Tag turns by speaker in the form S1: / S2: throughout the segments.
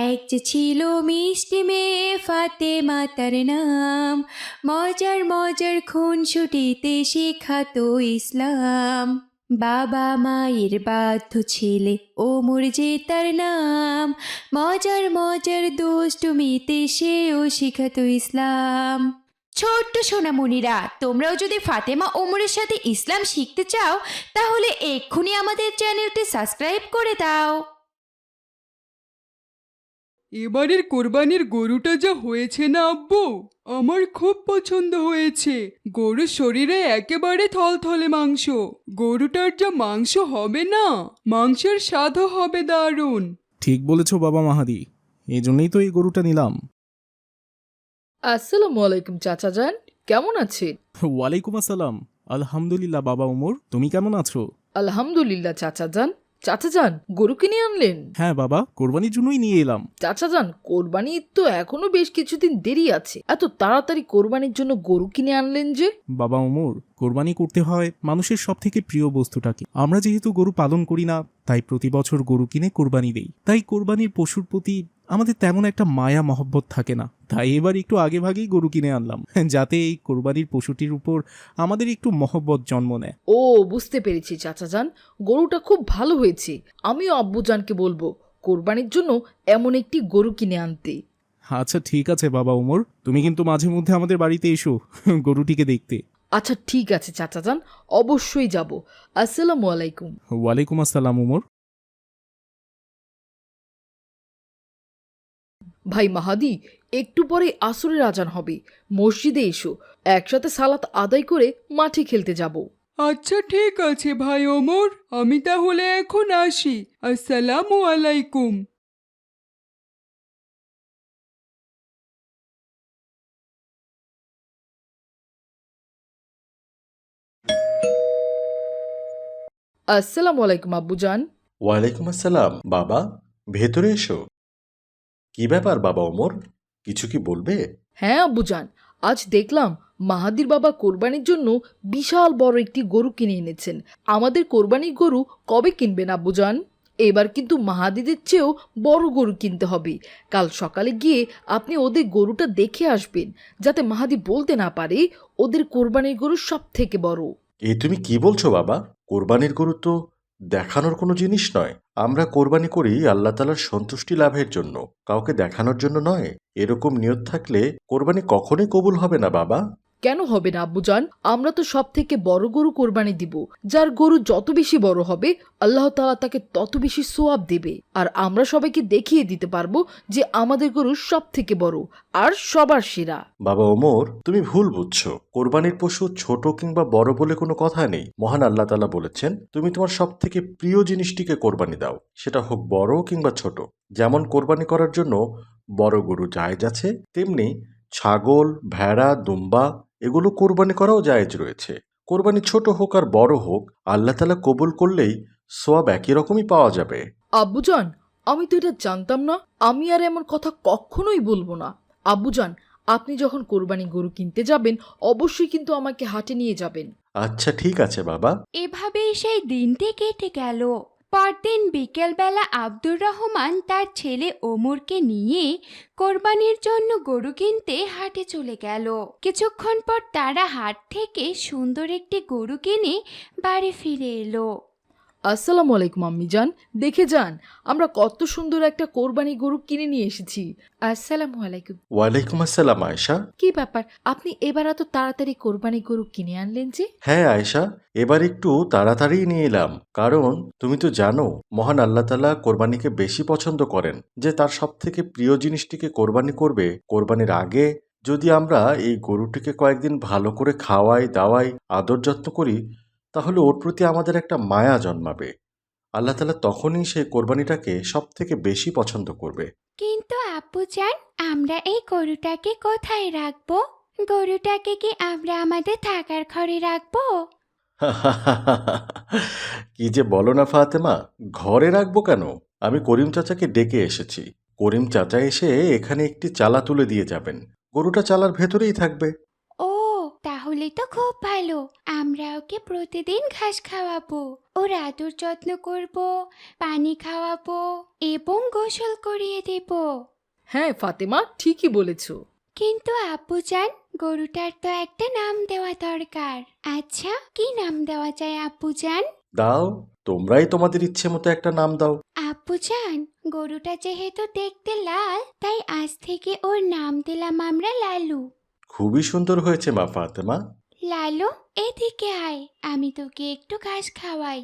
S1: এক যে ছিল মিষ্টি মেয়ে ফাতেমা তার নাম, মজার মজার খুনসুটিতে শেখাতো ইসলাম। বাবা মায়ের বাধ্য ছেলে ওমর যে তার নাম, মজার মজার দুষ্টুমিতে সেও শিখাতো ইসলাম। ছোট্ট সোনামণিরা, তোমরাও যদি ফাতেমা ওমরের সাথে ইসলাম শিখতে চাও তাহলে এক্ষুনি আমাদের চ্যানেলটি সাবস্ক্রাইব করে দাও।
S2: এবারের কোরবানির গরুটা যা হয়েছে না আব্বু, আমার খুব পছন্দ হয়েছে। গরুর শরীরে একেবারে থলথলে মাংস। গরুটার যা মাংস হবে না, মাংসের স্বাদও হবে দারুণ।
S3: ঠিক বলেছ বাবা মাহাদি, এই জন্যই তো এই গরুটা নিলাম।
S4: আসসালামু আলাইকুম চাচা যান, কেমন আছেন?
S3: ওয়ালাইকুম আসসালাম। আলহামদুলিল্লাহ বাবা ওমর, তুমি কেমন আছো?
S4: আলহামদুলিল্লাহ চাচা যান। চাচা যান, গরু কিনে আনলেন?
S3: হ্যাঁ বাবা, কোরবানির জন্যই নিয়ে এলাম।
S4: চাচা যান, কোরবানি তো এখনো বেশ কিছুদিন দেরি আছে, এত তাড়াতাড়ি কোরবানির জন্য গরু কিনে আনলেন যে?
S3: বাবা ওমর, কোরবানি করতে হয় মানুষের সব থেকে প্রিয় বস্তুটাকে। আমরা যেহেতু গরু পালন করি না, তাই প্রতি বছর গরু কিনে কোরবানি দেই। তাই কোরবানির পশুর প্রতি আমাদের তেমন একটা মায়া মহব্বত থাকে না। তাই এবার একটু আগে ভাগেই গরু কিনে আনলাম, যাতে এই কোরবানির পশুটির উপর আমাদের একটু মহব্বত জন্ম নেয়।
S4: ও, বুঝতে পেরেছি চাচা যান, গরুটা খুব ভালো হয়েছে। আমিও আব্বুজানকে বলবো কোরবানির জন্য এমন একটি গরু কিনে আনতে।
S3: আচ্ছা ঠিক আছে বাবা ওমর, তুমি কিন্তু মাঝে মধ্যে আমাদের বাড়িতে এসো গরুটিকে দেখতে।
S4: আচ্ছা ঠিক আছে চাচা যান, অবশ্যই যাব। আসসালামু আলাইকুম।
S3: ওয়ালাইকুম আসসালাম ওমর।
S4: ভাই মাহাদি, একটু পরে আসরের আজান হবে, মসজিদে এসো, একসাথে সালাত আদায় করে মাঠে খেলতে যাব।
S2: আচ্ছা ঠিক আছে ভাই ওমর, আমি তাহলে এখন আসি। আসসালামু আলাইকুম।
S4: আসসালামু আলাইকুম আব্বুজান।
S5: ওয়ালাইকুম আসসালাম বাবা, ভেতরে এসো। কি ব্যাপার বাবা ওমর, কিছু কি বলবে?
S4: হ্যাঁ আব্বুজান, আজ দেখলাম মাহাদির বাবা কোরবানির জন্য বিশাল বড় একটি গরু কিনে এনেছেন। আমাদের কোরবানির গরু কবে কিনবেন আব্বুজান? এবার কিন্তু মাহাদিদের চেয়েও বড় গরু কিনতে হবে। কাল সকালে গিয়ে আপনি ওদের গরুটা দেখে আসবেন, যাতে মাহাদি বলতে না পারে ওদের কোরবানির গরু সব থেকে বড়।
S5: এ তুমি কি বলছো বাবা? কোরবানির গরু তো দেখানোর কোনো জিনিস নয়। আমরা কোরবানি করি আল্লাহ তাআলার সন্তুষ্টি লাভের জন্য, কাউকে দেখানোর জন্য নয়। এরকম নিয়ত থাকলে কোরবানি কখনোই কবুল হবে না বাবা।
S4: কেন হবে না আব্বুজান? আমরা তো সব থেকে বড় গরু কোরবানি দিব। যার গরু যত বেশি বড় হবে আল্লাহ তাআলা তাকে তত বেশি সোয়াব দেবে। আর আমরা সবাইকে দেখিয়ে দিতে পারবো যে আমাদের গরু সব থেকে বড় আর সবার সেরা।
S5: বাবা ওমর, তুমি ভুল বুঝছো। কোরবানির পশু ছোট কিংবা বড় বলে কোনো কথা নেই। মহান আল্লাহ তাআলা বলেছেন, তুমি তোমার সব থেকে প্রিয় জিনিসটিকে কোরবানি দাও, সেটা হোক বড় কিংবা ছোট। যেমন কোরবানি করার জন্য বড় গরু জায়েজ আছে, তেমনি ছাগল, ভেড়া, দুম্বা এগুলো কোরবানি করাও জায়েজ রয়েছে। কোরবানি ছোট হোক আর বড় হোক, আল্লাহ তাআলা কবুল করলেই সোয়াব একই রকমই পাওয়া যাবে।
S4: আব্বুজান, আমি তো এটা জানতাম না। আমি আর এমন কথা কখনোই বলবো না। আব্বুজান, আপনি যখন কোরবানি গরু কিনতে যাবেন অবশ্যই কিন্তু আমাকে হাটে নিয়ে যাবেন।
S5: আচ্ছা ঠিক আছে বাবা।
S1: এভাবেই সেই দিনটি কেটে গেল। পরদিন বিকেলবেলা আব্দুর রহমান তার ছেলে ওমরকে নিয়ে কোরবানির জন্য গরু কিনতে হাটে চলে গেল। কিছুক্ষণ পর তারা হাট থেকে সুন্দর একটি গরু কিনে বাড়ি ফিরে এলো।
S4: আসসালামু আলাইকুম আম্মিজান, দেখে যান আমরা কত সুন্দর একটা কোরবানি গরু কিনে নিয়ে এসেছি। আসসালামু আলাইকুম।
S5: ওয়ালাইকুম আসসালাম আয়েশা।
S4: কি ব্যাপার, আপনি এবার এত তাড়াতাড়ি কোরবানি গরু কিনে আনলেন যে?
S5: হ্যাঁ আয়েশা, এবার একটু তাড়াতাড়ি নিয়ে এলাম, কারণ তুমি তো জানো মহান আল্লাহ তাআলা কোরবানিকে বেশি পছন্দ করেন। যে তার সব থেকে প্রিয় জিনিসটিকে কোরবানি করবে, কোরবানির আগে যদি আমরা এই গরুটিকে কয়েকদিন ভালো করে খাওয়াই দাওয়াই আদর যত্ন করি, তাহলে ওর প্রতি আমাদের একটা মায়া জন্মাবে। আল্লাহ তাআলা তখনই সেই কোরবানিটাকে সব থেকে বেশি পছন্দ করবে।
S1: কিন্তু আব্বুজান, আমরা এই গরুটাকে কোথায় রাখবো? গরুটাকে কি আমরা আমাদের থাকার ঘরে রাখবো?
S5: কি যে বলো না ফাতেমা, ঘরে রাখবো কেন? আমি করিম চাচাকে ডেকে এসেছি। করিম চাচা এসে এখানে একটি চালা তুলে দিয়ে যাবেন। গরুটা চালার ভেতরেই থাকবে।
S1: ও, তাহলে তাহলে তো খুব ভালো। আমরা ওকে প্রতিদিন ঘাস খাওয়াবো, ওর আদর যত্ন করব, পানি খাওয়াবো এবং গোসল করিয়ে দেব।
S4: হ্যাঁ ফাতেমা, ঠিকই বলেছো।
S1: কিন্তু আব্বুজান, গরুটার তো একটা নাম দেওয়া দরকার। আচ্ছা, কি নাম দেওয়া যায় আব্বুজান?
S5: দাও, তোমরাই তোমাদের ইচ্ছে মতো একটা নাম দাও।
S1: আব্বুজান, গরুটা যেহেতু দেখতে লাল, তাই আজ থেকে ওর নাম দিলাম আমরা লালু।
S5: খুবই সুন্দর হয়েছে মা ফাতেমা।
S1: লালু, এদিকে আয়, আমি তোকে একটু ঘাস খাওয়াই।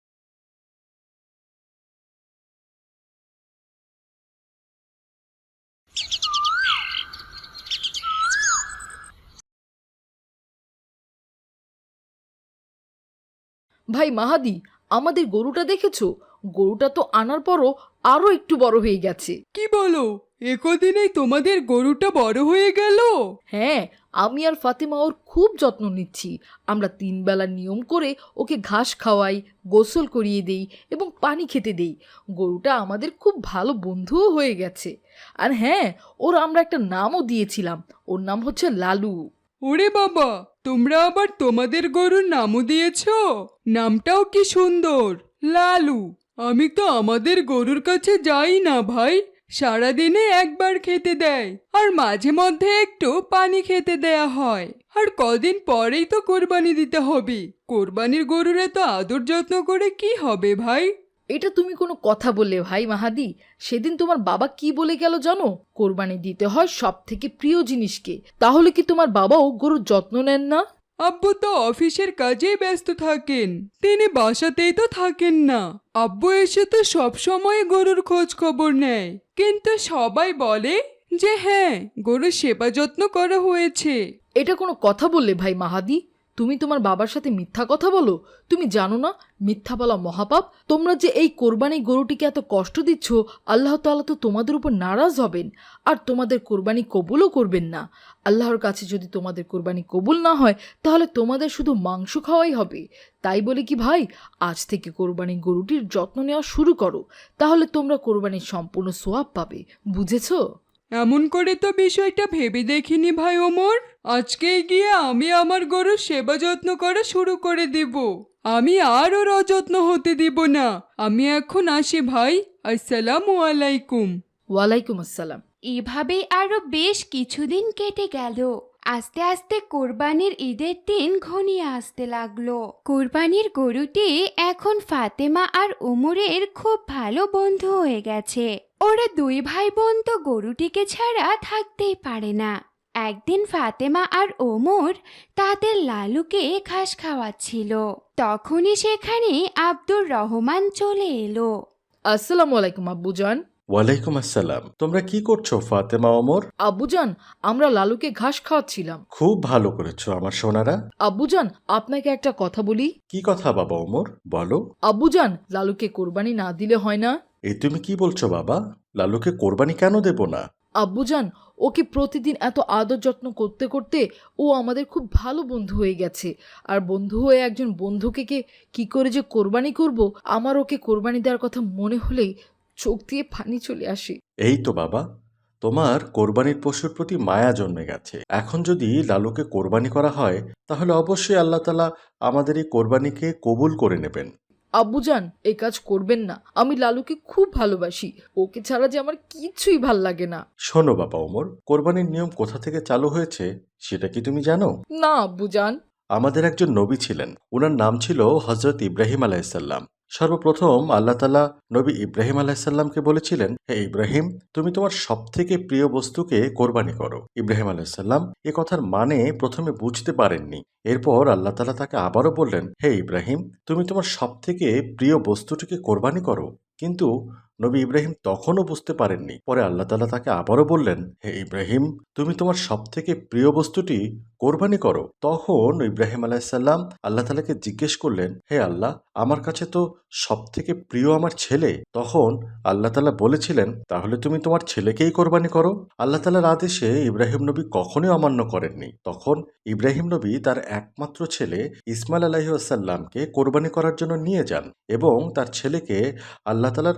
S4: ভাই মাহাদি, আমাদের গরুটা দেখেছো? গরুটা তো আনার পরও আরো একটু বড় হয়ে গেছে।
S2: কি বলো, একদিনেই তোমাদের গরুটা বড় হয়ে গেল?
S4: হ্যাঁ, আমি আর ফাতেমা ওর খুব যত্ন নিচ্ছি। আমরা 3 বেলা নিয়ম করে ওকে ঘাস খাওয়াই, গোসল করিয়ে দেই এবং পানি খেতে দেই। গরুটা আমাদের খুব ভালো বন্ধুও হয়ে গেছে। আর হ্যাঁ, ওর আমরা একটা নামও দিয়েছিলাম। ওর নাম হচ্ছে লালু।
S2: ওরে বাবা, তোমরা আবার তোমাদের গরুর নামও দিয়েছো? নামটাও কি সুন্দর, লালু। আমি তো আমাদের গরুর কাছে যাই না ভাই। সারাদিনে একবার খেতে দেয়, আর মাঝে মধ্যে একটু পানি খেতে দেয়া হয়। আর কদিন পরেই তো কোরবানি দিতে হবে। কোরবানির গরুর এত আদর যত্ন করে কি হবে ভাই?
S4: এটা তুমি কোনো কথা বললে ভাই মাহাদি? সেদিন তোমার বাবা কি বলে গেল জানো? কোরবানি দিতে হয় সব থেকে প্রিয় জিনিসকে। তাহলে কি তোমার বাবাও গরুর যত্ন নেন না?
S2: আব্বু তো অফিসের কাজেই ব্যস্ত থাকেন, তিনি বাসাতেই তো থাকেন না। আব্বু এসে তো সব সময় গরুর খোঁজ খবর নেয়, কিন্তু সবাই বলে যে হ্যাঁ, গরুর সেবা যত্ন করা হয়েছে।
S4: এটা কোনো কথা বললে ভাই মাহাদি? তুমি তোমার বাবার সাথে মিথ্যা কথা বলো? তুমি জানো না মিথ্যা বলা মহাপাপ? তোমরা যে এই কোরবানি গরুটিকে এত কষ্ট দিচ্ছ, আল্লাহ তাআলা তো তোমাদের উপর নারাজ হবেন, আর তোমাদের কোরবানি কবুলও করবেন না। আল্লাহর কাছে যদি তোমাদের কোরবানি কবুল না হয়, তাহলে তোমাদের শুধু মাংস খাওয়াই হবে। তাই বলে কি ভাই, আজ থেকে কোরবানি গরুটির যত্ন নেওয়া শুরু করো, তাহলে তোমরা কোরবানির সম্পূর্ণ সোয়াব পাবে। বুঝেছো?
S2: এমন করে তো বিষয়টা ভেবে দেখিনি ভাই ওমর। আজকে গিয়ে আমি আমার গরুর সেবা যত্ন করা শুরু করে দেব। আমি আর ওর অযত্ন হতে দিব না। আমি এখন আসি ভাই। আসসালামু আলাইকুম।
S4: ওয়ালাইকুম আসসালাম।
S1: এভাবেই আরো বেশ কিছুদিন কেটে গেল। আস্তে আস্তে কোরবানির ঈদের দিন ঘনিয়ে আসতে লাগলো। কোরবানির গরুটি এখন ফাতেমা আর ওমরের খুব ভালো বন্ধু হয়ে গেছে। ওরা 2 ভাই বোন তো গরুটিকে ছাড়া থাকতেই পারে না। একদিন ফাতেমা আর ওমর তাদের লালুকে ঘাস খাওয়াচ্ছিল। তখনই সেখানে আব্দুর রহমান চলে এলো।
S4: আসসালামু আলাইকুম আব্বুজান।
S5: ওয়ালাইকুম আসসালাম। তোমরা কি করছো ফাতেমা ওমর?
S4: আব্বুজান, আমরা লালুকে ঘাস খাওয়াচ্ছিলাম।
S5: খুব ভালো করেছো আমার সোনারা।
S4: আব্বুজান, আপনাকে একটা কথা বলি।
S5: কি কথা বাবা ওমর, বলো।
S4: আব্বুজান, লালুকে কোরবানি না দিলে হয় না?
S5: এই তুমি কি বলছো বাবা? লালুকে কোরবানি কেন দেব না?
S4: আব্বুজান, ওকে প্রতিদিন এত আদর যত্ন করতে করতে ও আমাদের খুব ভালো বন্ধু হয়ে গেছে। আর বন্ধু হয়ে একজন বন্ধুকে কি করে যে কোরবানি করব, আমার ওকে কোরবানি দেওয়ার কথা মনে হলেই চোখ দিয়ে পানি চলে আসে।
S5: এই তো বাবা, তোমার কোরবানির পশুর প্রতি মায়া জন্মে গেছে। এখন যদি লালুকে কোরবানি করা হয়, তাহলে অবশ্যই আল্লাহ তাআলা আমাদের এই কোরবানিকে কবুল করে নেবেন।
S4: আব্বুজান, এই কাজ করবেন না। আমি লালুকে খুব ভালোবাসি। ওকে ছাড়া যে আমার কিছুই ভাল লাগে না।
S5: শোনো বাবা ওমর, কোরবানির নিয়ম কোথা থেকে চালু হয়েছে সেটা কি তুমি জানো?
S4: না আব্বুজান।
S5: আমাদের একজন নবী ছিলেন, ওনার নাম ছিল হজরত ইব্রাহিম আলাইসাল্লাম। সর্বপ্রথম আল্লাহ তাআলা নবী ইব্রাহিম আলাইসাল্লামকে বলেছিলেন, হে ইব্রাহিম, তুমি তোমার সব থেকে প্রিয় বস্তুকে কোরবানি করো। ইব্রাহিম আলাইসাল্লাম এ কথার মানে প্রথমে বুঝতে পারেননি। এরপর আল্লাহ তাআলা তাকে আবারও বললেন, হে ইব্রাহিম, তুমি তোমার সব থেকে প্রিয় বস্তুটিকে কোরবানি করো। কিন্তু নবী ইব্রাহিম তখনও বুঝতে পারেননি। পরে আল্লাহ তাআলা তাকে আবারও বললেন, হে ইব্রাহিম, তুমি তোমার সব থেকে প্রিয় বস্তুটি কোরবানি করো। তখন ইব্রাহিম আলাইসাল্লাম আল্লাহ তাআলাকে জিজ্ঞেস করলেন, হে আল্লাহ, আমার কাছে তো সব থেকে প্রিয় আমার ছেলে। তখন আল্লাহ তাআলা বলেছিলেন, তাহলে তুমি তোমার ছেলেকেই কোরবানি করো। আল্লাহ তাআলার আদেশে ইব্রাহিম নবী কখনোই অমান্য করেননি। তখন ইব্রাহিম নবী তার একমাত্র ছেলে ইসমাইল আলাইহিস সালামকে কোরবানি করার জন্য নিয়ে যান এবং তার ছেলেকে আল্লাহ তাআলার আদেশের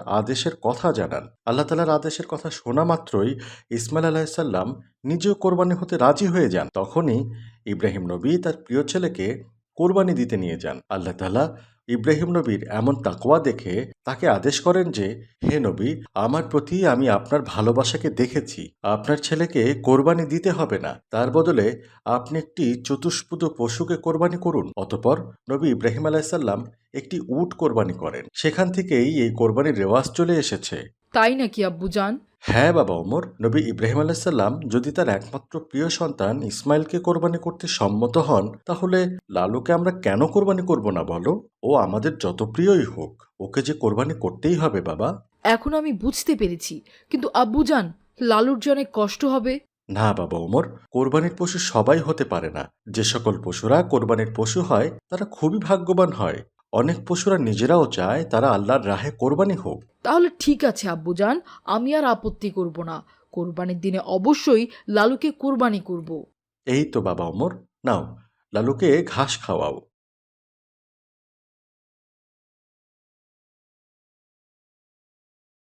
S5: আদেশের কথা জানান। আল্লাহ তাআলার আদেশের কথা শোনা মাত্রই ইসমাইল আলাইহিসসালাম নিজেও কোরবানি হতে রাজি হয়ে যান। তখনই ইব্রাহিম নবী তার প্রিয় ছেলেকে কোরবানি দিতে নিয়ে যান। আল্লাহ তাআলা ইব্রাহিম নবীর এমন তাকওয়া দেখে তাকে আদেশ করেন যে, হে নবী, আমার প্রতি আমি আপনার ভালোবাসাকে দেখেছি। আপনার ছেলেকে কোরবানি দিতে হবে না, তার বদলে আপনি একটি চতুষ্পদ পশুকে কোরবানি করুন। অতঃপর নবী ইব্রাহিম আলাইসাল্লাম একটি উট কোরবানি করেন। সেখান থেকেই এই কোরবানির রেওয়াজ চলে এসেছে।
S4: তাই নাকি আব্বুজান?
S5: হ্যাঁ বাবা ওমর, নবী ইব্রাহিম আলাইসাল্লাম যদি তার একমাত্র প্রিয় সন্তান ইসমাইলকে কোরবানি করতে সম্মত হন, তাহলে লালুকে আমরা কেন কোরবানি করব না বলো? ও আমাদের যত প্রিয়ই হোক, ওকে যে কোরবানি করতেই হবে বাবা।
S4: এখন আমি বুঝতে পেরেছি, কিন্তু আব্বুজান, লালুর যে অনেক কষ্ট হবে।
S5: না বাবা ওমর, কোরবানির পশু সবাই হতে পারে না। যে সকল পশুরা কোরবানির পশু হয় তারা খুবই ভাগ্যবান হয়। অনেক পশুরা নিজেরাও চায় তারা আল্লাহর রাহে কোরবানি হোক।
S4: তাহলে ঠিক আছে আব্বুজান, আমি আর আপত্তি করব না। কোরবানির দিনে অবশ্যই লালুকে কোরবানি করব।
S5: এই তো বাবা ওমর, নাও লালুকে ঘাস খাওয়াও।